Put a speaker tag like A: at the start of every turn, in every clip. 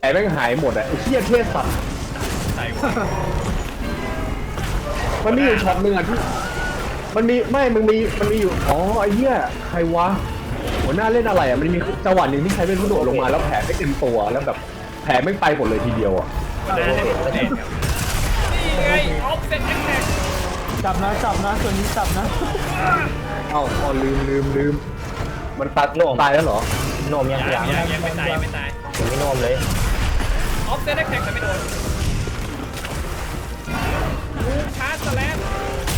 A: แม่งหายหมดอ่ะไอ้เหี้ยเทศสัตว์
B: ใส่วะ
A: มันมีอยู่ช็อตหนึ่งอ่ะที่มันมีไม่มันมีอยู่อ๋อไอ้เหี้ยใครวะหัวหน้าเล่นอะไรอ่ะมันมีจังหวะหนึ่งที่ใช้เป็นผู้โดดลงมาแล้วแผลไม่เต็มตัวแล้วแบบแผลไม่ไปหมดเลยทีเดียวอ่ะ
B: หัวหน้าให้ผมเล่นครับนี่ไงออฟเซ็ตแท็ก
C: จับนะตัวนี้จับนะ
A: เอ้าอ๋อลืมมันตัดตายแล้วเหรอ
D: โนมยัง
B: ยังไม่ตายยังไม่ตาย
D: ผมไม่โนมเลย
B: ออฟเซ็ตแท็กแต่ไม่โดนบูมชาร์จสแลม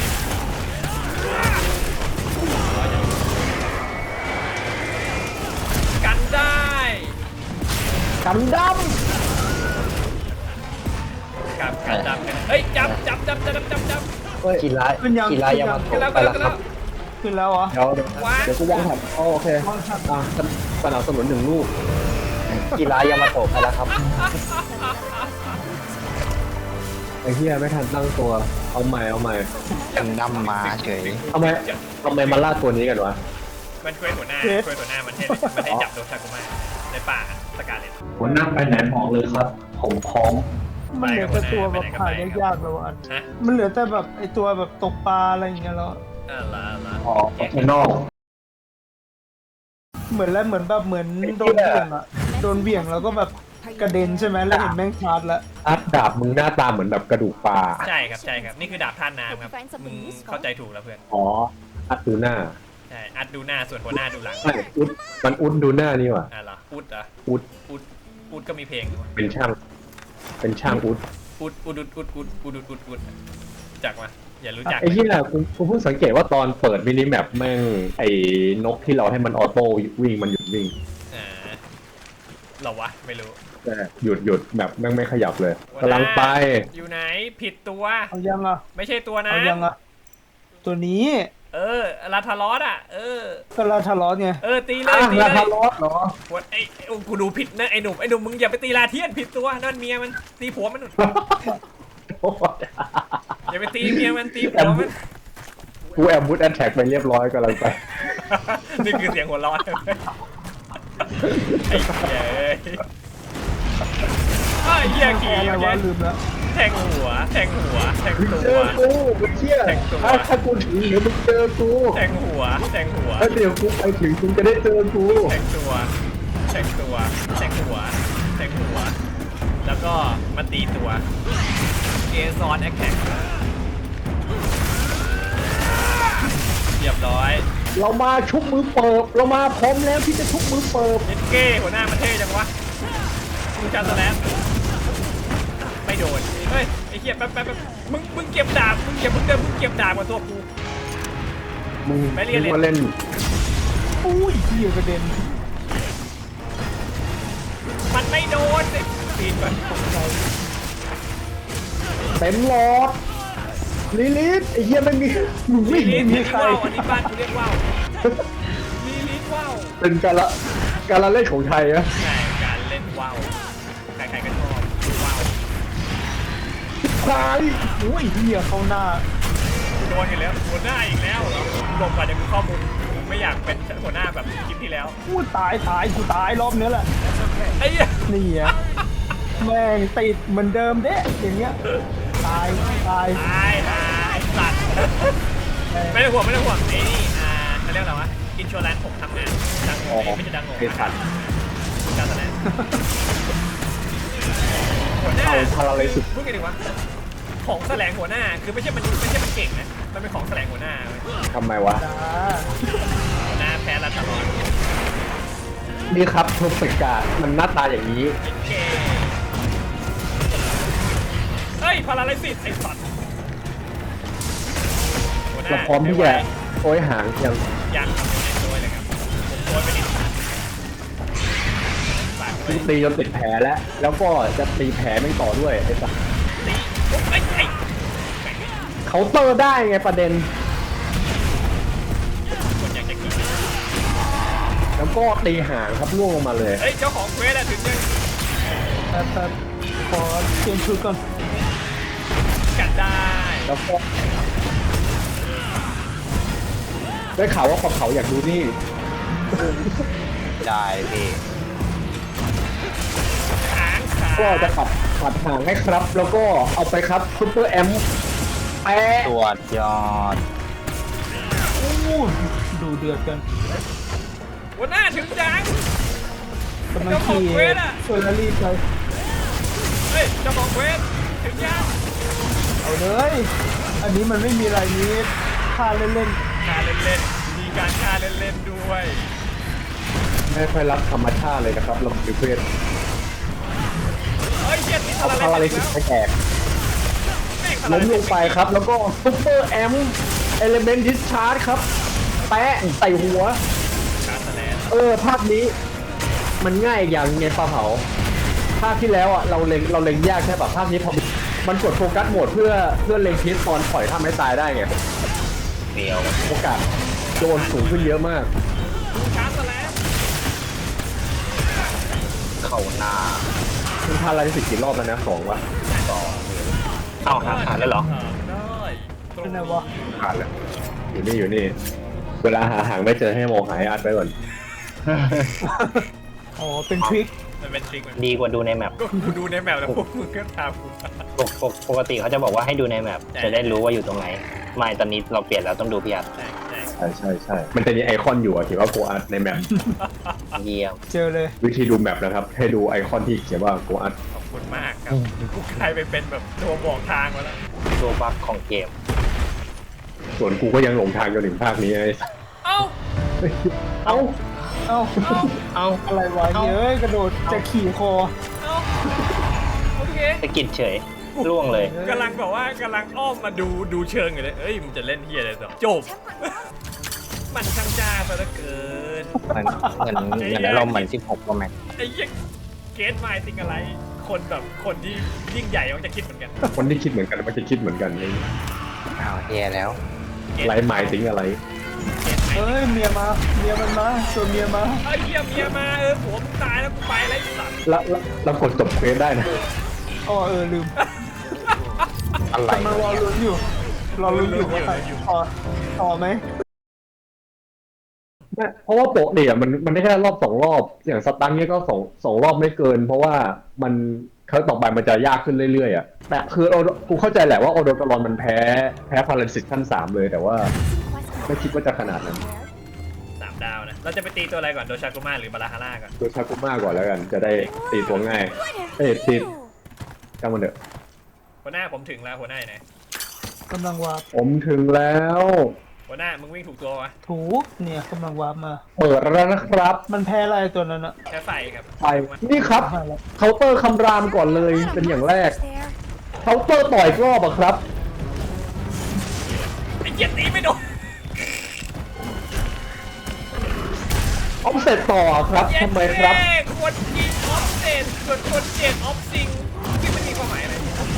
B: กันได้
A: กันด
B: กับกันดำกันเฮ้ยจับ
A: ำเฮ้ย
D: กีฬายามาโตไปแล้วครับ
C: ขึ้นแล้วเหรอ
A: เดี๋ยวกูวางแถบโอเคสนับสนุน1 ลูก
D: กีฬายามาโตไปแล้วครับ
A: ไอ้เหี้ยไม่ทันตั้งตัวเอาใหม่
D: ยังนำมาเฉย
A: ทำไมมาล่าตัวนี้กันวะ
B: มันช่วยหัวหน้ามันให้จับโดนชากุมาในป่าสกาเลต
A: หัวหน้าไปไหนบอกเลยครับ ผมพร้อม
C: มันเหลือแต่ตัวแบบขายได้ยากแล้วอันมันเหลือแต่แบบไอตัวแบบตกปลาอะไรอย่างเงี้ยแล้ว
A: อ๋อข้างนอก
C: เหมือนโดนเบี่ยงอะโดนเบี่ยงแล้วก็แบบกระเด็นใช่ไหมแล้วเห็นแม่งชาร์จแล้ว
A: อัดดาบมึงหน้าตาเหมือนแบบกระดูกปลา
B: ใช่ครับนี่คือดาบท่านน้ำครับมึงเข้าใจถูกแล้วเพื่อน
A: อ๋ออัดดูหน้า
B: ใช่อัดดูหน้าส่วนหัวหน้าดูหลัง
A: ไม่อุดมันอุดดูหน้านี่ว่ะ
B: เหรออุด
A: อุด
B: ก็มีเพลงด้วย
A: เป็นช่างอุด
B: อุดจักมาอย่ารู้จัก
A: ไอ้ที่น่ะกูเพิ่งสังเกตว่าตอนเปิดมินิแมปแม่งไอ้นกที่เราให้มันออโต้วิ่งมันหยุดวิ่ง
B: หรอวะไม่รู้
A: แต่หยุดแบบแม่งไม่ขยับเลยกำลังไป
B: อยู่ไหนผิดตัว
C: เอายังอ่ะ
B: ไม่ใช่ตัวนะ
C: เอายังอ่ะตัวนี้
B: ลาทารอส
C: ก็ลาทะเลาะไง
B: ตีเลย
A: ลาทารอสเหรอ
B: ไอ้กูดูผิดนะไอ้หนุ่มมึงอย่าไปตีลาเทียนผิดตัวนั่นเมียมันตีผัวมันอย่าไปตีเมียมันตีผัวมัน
A: กูแอบบูทแอนแท็กไปเรียบร้อยกำลังไป
B: นี่คือเสียงหัวร้อนไอ้เหี้ยขี่
C: อะไรวะลืมแล้ว
B: แทงหัวแทงตัว
A: เจอกูมึงเชี่ยถ้ากูถึงเดี๋ยวมึงเจอกู
B: แทงหัว
A: ถ้าเดี๋ยวกูไปถึงมึงจะได้เจอกู
B: แทงหัวแล้วก็มาตีตัวเกซอนแอคแท็กเรียบร้อย
A: เรามาชุบมือเปิบเรามาพร้อมแล้วที่จะชุบมือเปิบ
B: เอ็นเก้หัวหน้ามันเท่จังวะมึงจัดสแลมไม่โดนเฮ้ยไอ้เหี้ยแป๊บมึงเก็บดาบมึงเก็บดาบกับตัวกู
A: มึง
B: ไม่เรียนเลย
A: มาเล่น
C: อุ้ยเหี้ยกระเด็น
B: มันไม่โดนสิปีนก่อน
A: เต็มหลอดลิลิทไอ้เหี้ยไม่มีมึงไม่
B: ลี
A: มี
B: ลิท
A: ใคร
B: ว่าวอันนี้บ้านกูเรียกว่าวลีลิทว่าว
A: เป็นการละเล่นของไทยอะ
B: ใช่การเล่นว่าวใครๆก็ชอบว่าว
A: ใคร
C: อุ้ยเหี้ยเข้าหน้า
B: โดนอีกแล้วหัวหน้าอีกแล้วหลบก่อนจะมีข้อมูลไม่อยากเป็นหัวหน้าแบบคลิปที่แล้ว
C: กูตายกูตายรอบนี้แหละ
B: ไอ้เหี้ย
C: นี่อ่ะแม่งติดเหมือนเดิมเด้อย่างเงี้ยตาย
B: ตายสัตว์ไม่ต้องห่วงไอ้นี่เขาเรียกอะไรวะอินชัวแลนซ์ผมทำงานดังโง่ไม่ใช่ดังโง่
A: ไอ้สัตว์
B: การแสดงหัวหน้า
A: เอาพาราเลยสุด
B: พูดกันดีวะของแสลงหัวหน้าคือไม่ใช่มันเก่งนะมันเป็นของแสลงหัวหน้าเว้ย
A: ทำไมวะ
C: จ้า
B: หัวหน้าแพ้รัฐบาล
A: นี่ครับเพอร์เฟกต์การ์ดมันหน้าตาอย่างนี้
B: เก่งเฮ้ยพาราไลซิสไอ้สัตว์หัวหน้า
A: เราพร้อมที่จะโอยหางยัง
B: ยังทำในตัวเลยครับผมตัวไปนิดฝากไว้
A: ตีจนติดแผลแล้วก็จะตีแผลไม่ต่อด้วยไอ้สัส
B: ตีปุ๊บไอ้แม่ง
A: เคาน์เตอร์ได้ไงประเด็น
B: คนอยากจะกิน
A: แล้วก็ตีหางครับล่วงลงมาเลย
B: เฮ้ยเจ้าของเควสอะถึงยัง
C: แต่ขอเปลี่ยนชุดก่อน
B: กันได้
A: แล้วก็ได้ข่าวว่าเขาอยากดูนี่
D: ได้พี่
B: หางขา
A: ก็จะปัดห่างให้ครับ แล้วก็เอาไปครับซุปเปอร์แอมแปะ
D: ตรวจยอด
C: อู้ดูเดือดกัน
B: หัวหน้าถึงจัง
C: กำลังขี่เฟอร์รารี่ไป
B: เฮ้ยเจะบอกเวทถึงยัง
C: เอาเลย อันนี้มันไม่มีอะไรนี้ฆ่าเล่น
B: การเล่นๆมีการฆ่าเล่นๆด้วย
A: ไม่ค่อยรักธรรมชาติเลยนะครับเราดูเพื่อน
B: เฮ้ยเฮียติด
A: เอา
B: อะไร
A: พารา
B: เล่
A: ลิ
B: น
A: ซิ
B: แล้
A: ส
B: ว
A: ไปแตก
B: แม่ง
A: ล้มลงไปครับ แล้วก็ซุปเปอร์แอมเอลิเมนต์ดิสชาร์จครับแปะใส่หัว
B: การแสดง
A: ภาคนี้ มันง่ายอีกอย่างไงปลาเผาภาคที่แล้วอ่ะเราเล็งยากแค่แบบภาคนี้พอมันกดโฟกัสโหมดเพื่อเล็งพิษตอนปล่อยท่าไม้ตายได้ไง
D: เดียว
A: โอกาสโดนสูงขึ้นเยอะมาก
B: การแสดง
D: เข้าหน้า
A: คุณพาราลิซิสกี่รอบแล้วนะ2วะ
D: เอ้าหาแล้วเหรอ
B: ได้
C: ๆเป็นไงวะ
A: ผ่านแล้วอยู่นี่ เวลาหาหางไม่เจอให้มองหายอัดไปก่อน
C: อ๋อ เป็นทริค
B: มันเป็นจริงมัน
D: ดีกว่าดูในแมป
B: ก็กูดูในแมปแล้วพวกมึงก็ตามกู
D: ปกติเขาจะบอกว่าให้ดูในแมปจะได้รู้ว่าอยู่ตรงไหน ไม่ตอนนี้เราเปลี่ยนแล้วต้องดูพี่อัด
B: ใช่
A: มันจะมีไอคอนอยู่อะที่ว่าโกอัดในแมป
D: เยี่ยม
C: เจอเลย
A: วิธีดูแมปนะครับ ให้ดูไอคอนที่เขียนว่าโกอัด
B: ขอบคุณมากครับกูกลายไปเป็นแบบตัวบอกทางมาแล้ว
D: ตัวบั๊กของเกม
A: ส่วนกูก็ยังหลงทางจนถึงภาคนี้ไอ้
B: เอ้า
A: เอ้า
C: เอ้า
D: เอา
C: อะไรวะเย้ยกระโดดจะขี่คอ
B: เอ้าโอเค
D: สะกิดเฉยล่วงเลย
B: กำลังแบบว่ากำลังอ้อมมาดูเชิงอยู่เลยเอ้ยมึงจะเล่นเฮียอะไรต่อจบ มันช่างจ้าซะเหลือเกิน
D: เหมือนอารมณ์เหมือน16 Pro Max
B: ไอ้เหี้ยังเกตไมล์ติงอะไร คนแบบคนที่ยิ่งใหญ่มันจะคิดเหมือนกัน
A: คนที่คิดเหมือนกันมันจะคิดเหมือนกันนี่
D: อ้าวแย่แล้ว
A: ไรหมายถึงอะไร
B: เกตไมล์
C: เฮ้ย เมียมา เมียมันมาตัวเมียมา
B: เอ้ยเฮียเมียมาผัวมึงตายแล้วกูไปแล้วไอ้สัตว์
A: แล้วกดจบเควสได้นะ
C: อ๋อลืม
D: อะไร
C: กำลังรอลุ้นอยู่ รอลุ้นอยู่ว่าใครต่อไหม
A: เพราะว่าโปะเนี่ยมันได้แค่รอบ2 รอบ อย่างสตังค์เนี่ยก็สองรอบไม่เกิน เพราะว่ามันครั้งต่อไปมันจะยากขึ้นเรื่อยๆอ่ะแต่คือกูเข้าใจแหละว่าโอโดกรอนมันแพ้พาราลิซิสขั้น3เลยแต่ว่าไม่คิดว่าจะขนาดนั้น
B: 3 ดาวนะ เราจะไปตีตัวอะไรก่อน โดชากุมาหรือบาราฮาร่าก่อน
A: ตัวชากุมาก่อนแล้วกัน จะได้ตีตัวง่ายตีจังมันเถอะ
B: หัวหน้าผมถึงแล้วหัวหน้าอยู่ไหน
C: กำลังวาร์ป
A: ผมถึงแล้ว
B: หัวหน้ามึงวิ่งถูกตัววะ
C: ถูกเนี่ยกำลังวาร์ปมา
A: เปิดแล้วนะครับ
C: มันแพ้อะไรตัวนั้นอะ
B: แค่ไฟครับ
A: ไปนี่ครับ
C: หายแล้ว
A: เคาน์เตอร์คำรามก่อนเลยเป็นอย่างแรกเคาน์เตอร์ต่อยอีกรอบอะครับ
B: ไอ้เหี้ยตีไม่โดน
A: ออฟเซตต่อครับทำไมครับ
B: เย้คนยิงออฟเซนส่วนคนเจ็บออฟซิงที่มันมีความหมายอะไร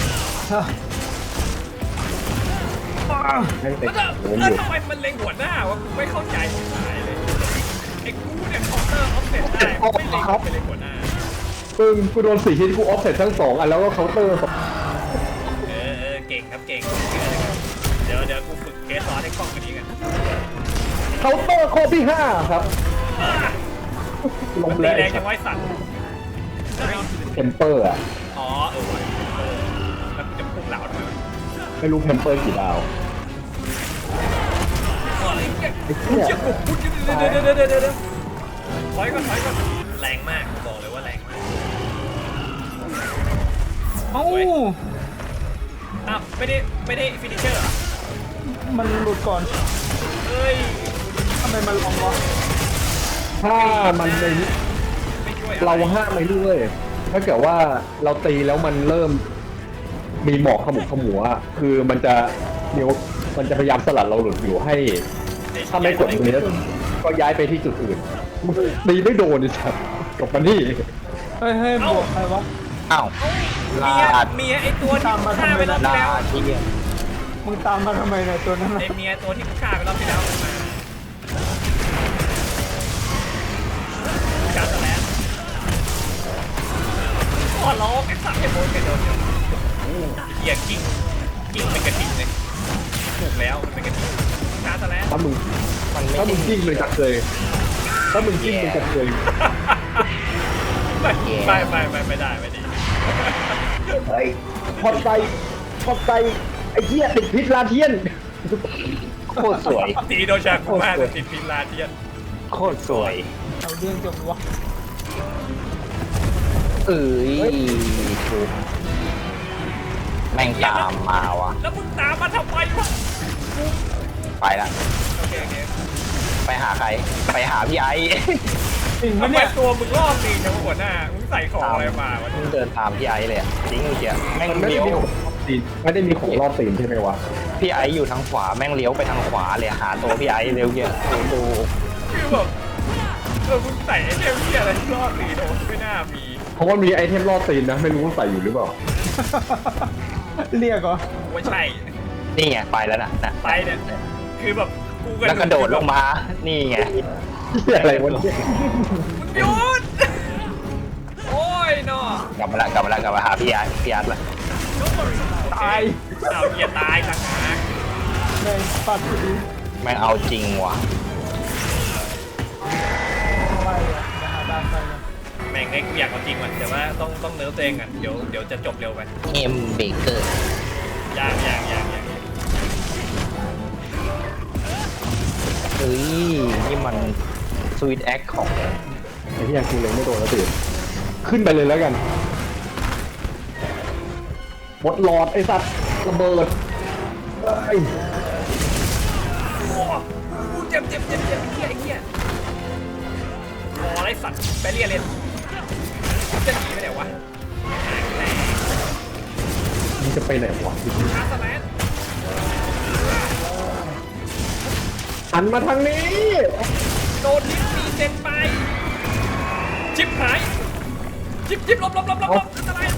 A: ให้เตะ
B: แล้ว
A: โหมอยู่
B: ทำไมมันเล็งหัวหน้าวะกูไม่เข้าใจที่หายเลยไอ้กูเนี่ยคอร์เตอร์ออฟเซนได้ไม่เล็งไปเล็งหัวหน้า
A: ซึ่งกูโดน4 ชิ้นกูออฟเซตทั้ง2 อันแล้วก็เคาน์เตอร์
B: เก่งครับเก่งเดี๋ยวกูฝึกเกสซอนให้คล่องกว่านี้กัน
A: เคาน์เตอร์ข้อที่ 5 ครับลง
B: ตี
A: แล้ว
B: แรงยังไว้สั่น
A: เทมเปอร์อะ
B: อ๋อว่ะแล้วกูจะพุ่งเหล่าทำไมวะ
A: ไม่รู้เทมเปอร์กี่ดาว
B: ไอ้เหี้ย
A: ไอ้เหี้ย
B: เดี๋ยวถอยก่อนแรงมากบอกเลยว่าแรงมาก
C: เอ้า
B: อ้าวไม่ได้ฟินิเชอร์เหรอ
C: มันหลุดก่อน
B: เฮ้ย
C: ทำไมมันลองวะ
A: ถ้ามันใน
B: ไม่ช่วย
A: เราห้ามไม่ด้วยถ้าเกิดว่าเราตีแล้วมันเริ่มมีหมอกขมุกขมัวอะคือมันจะพยายามสลัดเราหลุดอยู่ให้ ถ้าไม่กดตรงนี้ก็ย้ายไปที่จุดอื่นตีไม่โดนดิครับกลับมานี่
C: เฮ้ยบวกใครวะ
D: อ้าว ลาด
B: เมียไอตัวที่กูฆ่าไปรอบที่
D: ลา
B: แล้ว
D: ที่
C: มึงตามมาทำไมเนี่ยตัวนั้นน่ะ
B: ไอเมียตัวที่กูฆ่าไปรอบที่แล้วมันมาการแสลนขอร้องไอ้สัตว์ไอ้โบนไปโดนอยู่เหี้ยกิ้งเป็นกระดิ่งเลยถูกแล้วมันเป็นกระดิ่งการแสลน
A: ถ้ามึง
D: มันไม่
A: ถ้ามึ
D: ได้
A: งกิ้งเลยจะเคยถ้ามึงกิ้งมึงจะเคย
B: ไม่ได้
A: เฮ้ยพอดไซไอ้เหี้ยติดพิษลาเทียน
D: โคตรสวย
B: ตีโดชากุมาแต่ติดพิลาเทียน
D: โคตรสวย
C: เอาเรื่องจบวะ
D: เอ้ยถูกแม่งตามมาวะ
B: แล้วมึงตามมาทำไมวะ
D: ไปละ
B: โอเค
D: ไปหาใคร ไปหาพี่ไอ้
C: จริง
B: ทำ
C: ปะ
B: ไม
C: เนี่ย
B: ตัวมึงรอบตีนจังวะหัวหน้ามึงใส่ของอะไรมาวะ
D: มึงเดินตามพี่ไอ้เลยอะจริงเมื่อกี้แม่ง
A: มันไม่
D: เลี้
A: ได้
D: ยว
A: มีของรอบตีนไม่ได้มีของรอบตีนใช่ไหมวะ
D: พี่ไอ้อยู่ทางขวาแม่งเลี้ยวไปทางขวาเลยหาตัวพี่ไอ้เร็วเงี้ยดู
B: คือแบบมึงใส่ไอ้เทมที่อะไรรอบตีนโอ้ไม่น่ามี
A: เพราะว่ามีไอเทมรอบตีนนะไม่รู้ว่าใส่อยู่หรือเปล่า
C: เรียกเหรอ
B: ว่าใช่
D: นี่ไงไปแล้วนะ
B: ไปเนี่ยคือแบบกู
D: แล้วกระโดดลงมา นี่ไง
A: เหี้ยอะไรวะเนี่ย
B: มึงหยุดโอ้ยเนาะ
D: กลับมาหาพี่อาร์ตละ
C: ตาย
B: เอาเหี้ยตายต่างหาก
C: ในปัดพอดี
D: แม่งเอาจริงว่ะ
C: ไปอ่ะจะหาดานไปนะ
B: แม่งไอ้กูอยากเอาจริงว่ะแต่ว่าต้องเนิร์ฟตัวเองอ่ะเดี๋ยวจะจบเร็วไป
D: เอ็มเบเกอร์
B: อย่าง
D: เฮ้ยนี่มันสวีทแอคของ
A: ไอ้ที่ยังกูเลยไม่โดนแล้วตื่นขึ้นไปเลยแล้วกันหมดหลอดไอ้สัตว์ระเบิดไอ้ย
B: โอ้กูเจ็บไอ้เหี้ยโอ้ไรสัตว์ไปเรียนจะหนีไปไหนวะ
A: มันจะไปไหนวะ
B: ชาร์สแลน
A: หันมาทางนี้
B: โดนลิฟต์มีเซนไปชิปหายชิปลบอันตรายตาย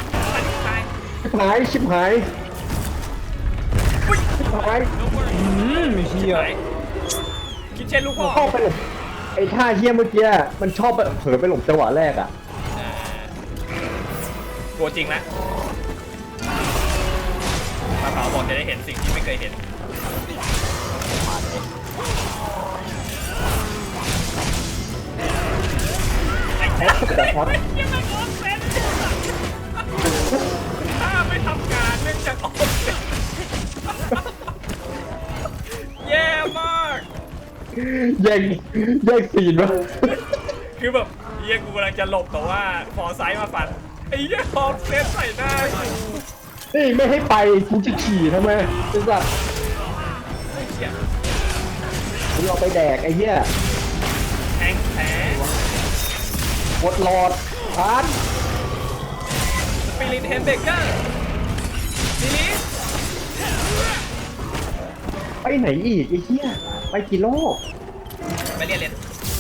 A: ชิบหาย
B: อุ้ย
C: เฮีย
B: คิดเช่นลูกพ่อ
A: เข้าไปหลบไอ้ท่าเฮี้ยเมื่อกี้มันชอบไปเผลอไปหลบจังหวะแรกอ่ะ
B: กลัวจริงนะปลาเผาบอกจะได้เห็นสิ่งที่ไม่เคยเห็นไอ้เหี้ย
A: แต่พอด
B: ยังไม่ออกเซนถ้าไม่ทำการเนื่องจากออกเซนแย่มาก
A: แย่งซีนวะ
B: คือแบบเฮียกูกำลังจะหลบแต่ว่าพอไซส์มาฟันไอ้เหี้ยออกเซนใส่หน้ากู
A: นี่ไม่ให้ไปกูจะขี่ทำไมไอ้สัตว์
B: ไอ้เหี้ย
A: กูเอาไปแดกไอ้เหี้ย
B: แทงแผล
A: หมดหลอดพาน
B: สปิริตเฮมเบเกอร์ซิลิส
A: ไปไหนอีกไอ้เหี้ยไปกี่โลก
B: ไปเรียน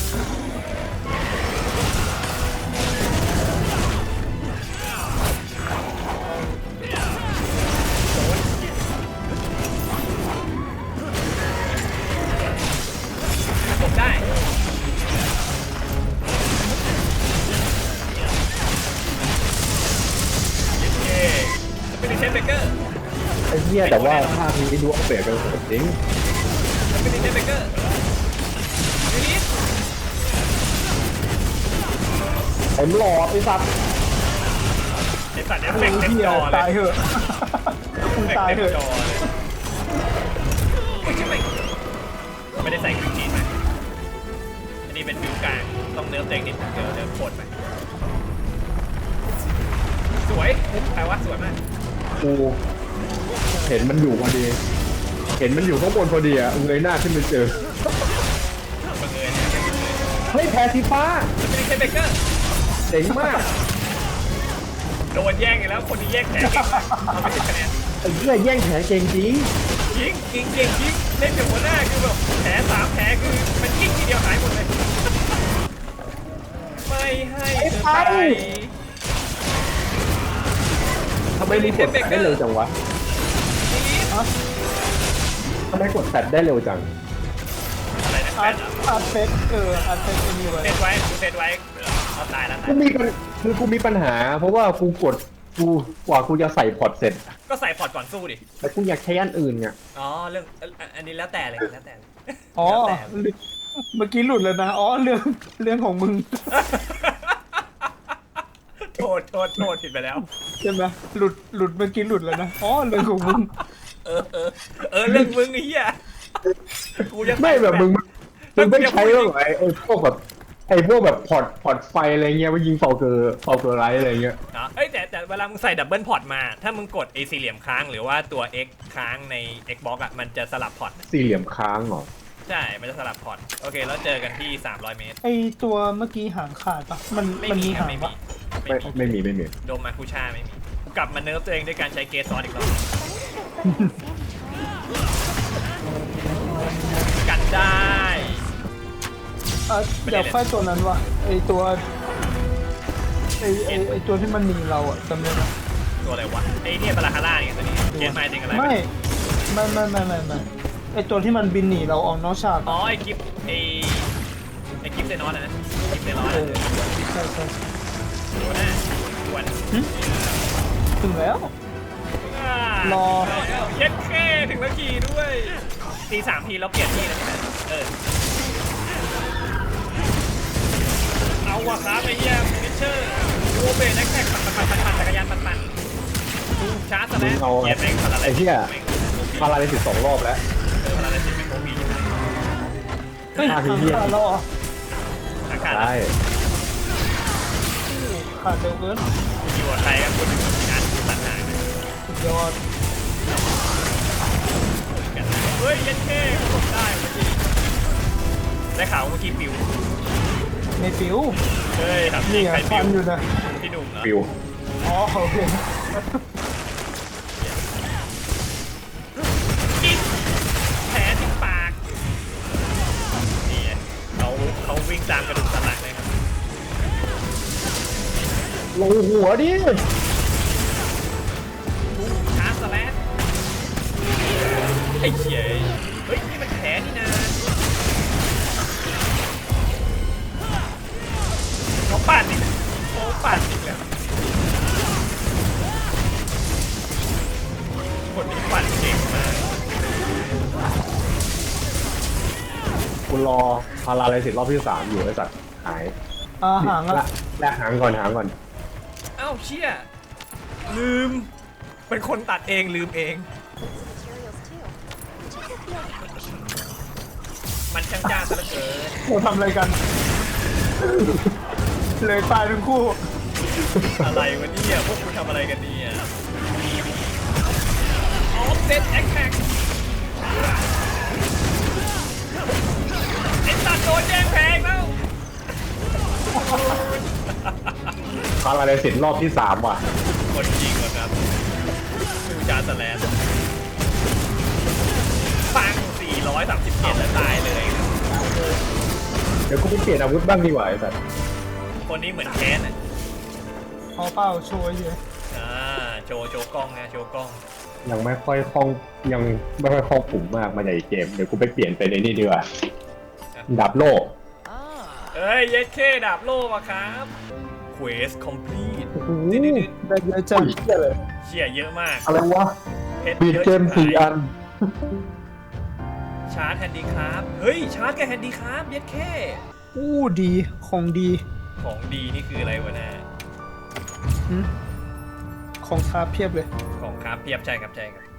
B: จบได้เย้สปิริตเฮมเบเกอร์
A: ไอ้เหี้ยแต่ว่าภาคนี้ดูเอาเปรียบกันสุดจริง
B: สปิริตเฮมเบเกอร์ซิลิส
A: เต็มหลอดไอ้สัตว์
B: ไอสัตว์เอฟเฟกต์เต็ม
C: เฮีย
B: จอเล
C: ตาย
B: ย
C: เหอะมึงตายเหอะ
B: จอเลยใช่ไหมไม่ได้ใส่กรีนจีนมาอันนี้เป็นฟิวกลางต้องเนื้อเต็งนิดเดี๋ยวโคตรไปสวยแปลว่าสวยมาก
A: กูเห็นมันอยู่พอดี เห็นมันอยู่ข้างบนพอดีอะเงยหน้าขึ้นไปเจอ
B: บังเอิญเนี่ย
A: เฮ้ยแพ้สีฟ้า
B: จะเป็นเคนเบเกอร์
A: เจ๋งมาก
B: โดนแย่งอีกแล้วคนที่แย่งแผลเก่งมากเอาไป10 คะแนน
A: ไอ้เหี้ยแย่งแผลเก่งจริง
B: ยิงเก่งยิงเล่นกับหัวหน้าคือแบบแผล3 แผลคือมันยิงทีเดียวหายหมดเลยไม่ให้เธอไป
A: ทำไมมีกดแฟดได้เร็วจังวะ ทำไมกดแฟดได้เร็วจัง
B: อะไรนะแฟ
C: อาร์
B: น
C: ต
B: เหรอ
C: อาร์ตเฟสอาร์ตเฟสมีไว้
B: เซตไว้เซตไว้เอาตายแล้ว
A: กูมีปัญคือกูมีปัญหา เพราะว่ากูกดกว่ากูจะใส่พอร์ตเสร็จ
B: ก็ใส่พอร์ตก่อนสู้ดิ
A: แต่กูอยากใช้อันอื่นไง
B: อ๋อเรื่องอันนี้แล้วแต่เลยแล้วแต่เลย
C: อ๋อ
B: แล้วแต่
C: เมื่อกี้หลุดแล้วนะอ๋อเรื่องของมึง
B: โทษผิดไปแล้ว
C: ใช่ไหมหลุดเมื่อกี้หลุดแล้วนะอ๋อเรื่องของมึง
B: เออเรื่องมึงไอ้เหี้ยกูจะ
A: ไม่แบบมึงไม่ใช้หรอกไอ้พวกแบบไอ้พวกแบบพอร์ตไฟอะไรเงี้ยว่ายิงฟอลเกอร์ไรอะไรเงี้ย
B: เนาะเอ้ยแต่เวลามึงใส่ดับเบิลพอร์ตมาถ้ามึงกดไอ้สี่เหลี่ยมค้างหรือว่าตัว X ค้างใน Xbox อ่ะมันจะสลับพอร์ต
A: สี่เหลี่ยมค้างเหรอ
B: ใช่มันจะสลับพอร์ตโอเคแล้วเจอกันที่300 เมตร
C: ไอตัวเมื่อกี้หางขาดปะมัน
B: ไม่
C: มัน
B: มี
C: มี
B: ครับ
C: หาง
B: ไม่
C: ปะ
B: มีโดมมาคูชาไม่มีกูกลับมาเนิร์ฟตัวเองด้วยการใช้เกสซอนอีกรอบกันได้
C: อยากไฟตัวนั้นวะไอตัวไอตัวที่มันหนีเราอะจำได้ไหม
B: ตัวอะไรวะไอ้เนี่ยปลาคาร่าเนี่ยตัวนี้เกสไมล์จริงอะไร
C: ไม่ไอตัวที่มันบินหนีเราออกนอกฉาก
B: อ๋อไอ้กิฟเซนอสนะกิฟเซนอส
C: ใช่
B: ตัวหน้าวัน
C: ถึงแล้ว รอ
B: เย็ดแค่ถึงแล้วขี่ด้วยตี3 ทีแล้วเปลี่ยนที่นะเอาวะครับไอ้เหี้ยมิชเชอร์โอเบนแท็กปั่นจักรยานปั่นชาร์จซะแล้ว
A: เอา
B: เหี้ยแม่งพาราไล
A: ไอ้เหี้ย พาราลิซิส2 รอบแล้ว
B: พาราไลซิสเป็นโควิด
C: เฮ้ย
A: อ่ะ
C: หาง
A: พี่เหี้ย
C: ขาดเราเหรอ
B: อากาศ
A: ได้
C: ขาดเร็วเกิน
B: อยู่กับใครกันคุณถึงงานตัดหางนะ
C: สุดยอด
B: เฮ้ยเย็ดแค่ผมได้เมื่อกี้ได้ข่าวเมื่อกี้ปิว
C: ในฟิว
B: เฮ้ยทำจริ
C: นี่
B: ง
C: ไง
B: ใครปิ
C: ฟั
B: วน
C: อยู่นะ
B: พี่หนุ่มเหรอ
A: ฟิว
C: อ๋อโอเค
B: กินแผลที่ปากนี่ไงเขาวิ่งตามกระดูกสันหลังเลยครับ
A: ลงหัวดิ
B: ชาร์จสแลชไอ้เหี้ยเฮ้ยนี่มันแผลนี่นะเขาปั่นอีกแล้วคนนี้ปั่นเก่งมาก
A: กูรอพาราลิซิสรอบที่ 3อยู่ไอ้สัตว์หาย
C: หางอะ
A: แลกหางก่อน
B: เอ้าเชี่ยลืมเป็นคนตัดเองลืมเอง มันช่างจ้าซะเหลือเกิน
C: เราทำอะไรกัน เลยตายทั้งคู่
B: อะไรวะเนี่ยพวกคุณทำอะไรกันเนี่ยออฟเซตแอคแท็กไอ้ตัดโดนแย่งแพงแล้ว
A: พาราลิซิสรอบที่ 3 ว่ะ
B: คนจริงว่ะครับดูจานสแลนปัง437แล้วตายเลย
A: เดี๋ยวกูไปเปลี่ยนอาวุธบ้างดีกว่าไอ้สัตว์
B: คนนี้เหมือนแค้นอ่ะ
C: เอาเป้าโชว์เยอะ
B: โชว์กล้องนะโชว์กล้อง
A: ยังไม่ค่อยคล่องปุ่มมากมาจากเกม เดี๋ยวกูไปเปลี่ยนเป็นไอ้นี่ดีกว่าดาบโลก
B: เอ้ยเย็ดเคดาบโล่มาครับ Quest complete
C: ได้เยอะจัง
B: เชี่ยเยอะมาก
A: อะไรวะ
B: เพชร
A: บีด
B: เยอะ
A: เกม
B: ชิบหาย
A: 4 อัน
B: ชาร์จแฮนดี้ครับเฮ้ยชาร์จกับแฮนดี้ครับเย็ดเค
C: อู้ดีของดี
B: ของดีนี่คืออะไรวะนะ
C: ของคาเพียบเลย
B: ของครับเพียบใช่ครับ